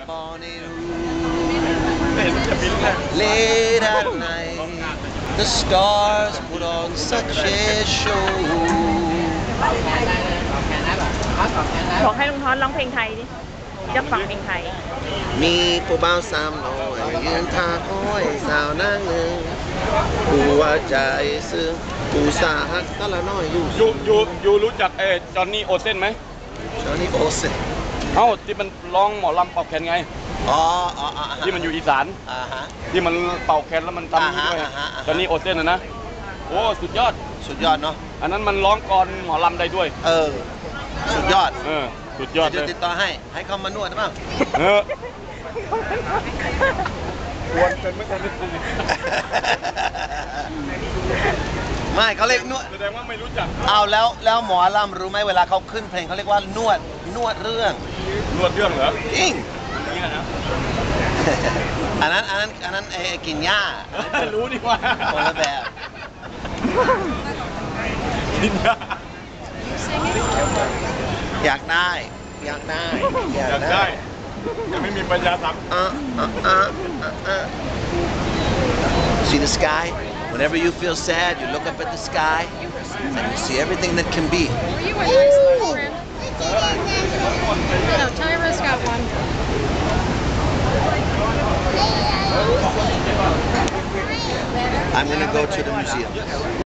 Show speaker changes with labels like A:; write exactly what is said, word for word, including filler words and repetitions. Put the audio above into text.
A: morning late at night the stars put on such a show
B: บอกให้ลุงท้อนร้องเพลงไทยดิจะฟังเพลงไทย
A: มีผู้บ่าวสามน้อยยืนท่าคอยสาวนางหนึ่งผู้ว่าใจซึ้งผู้สาหักตะละน้อยอยู่
C: ยูยูยูรู้จักเอจอนนี่โอเซนไหม
A: จอนนี่โอเซน
C: เอ้าที่มันร้องหมอลำเป่าแคนไง
A: อ๋ออ๋อ
C: ที่มันอยู่อีสานที่มันเป่าแคนแล้วมันทำด้วยจอนนี่โอเซนนะนะโอ้สุดยอด
A: สุดยอดเนาะ
C: อันนั้นมันร้องกรหมอลำได้ด้วย
A: เออสุดยอด
C: เออสุดยอด
A: เลยติดต่อให้ให้เขามานวดได้บ้าง
C: เออควรเป็นไม่ควร
A: ไม่เขาเรียกนวด
C: แสดงว่าไม่รู้จัก
A: เอาแล้วแล้วหมอลำรู้ไหมเวลาเขาขึ้นเพลงเขาเรียกว่านวดนวดเรื่อง
C: นวดเรื่องเหรอ
A: จริง
C: นี่นะ
A: อันนั้นอันนั้นอันนั้นไอ้กินหญ้า
C: รู้ดีว่า
A: คนละแบบ
C: กินหญ้า
A: อยากได้อยากได้
C: อยากได้ยังไม่มีปัญญาทำ
A: uh, uh, uh, uh, uh. See the sky whenever you feel sad you look up at the sky and you see everything that can be
D: were you at Iceland friend no Tyra's got one
A: I'm gonna go to the museum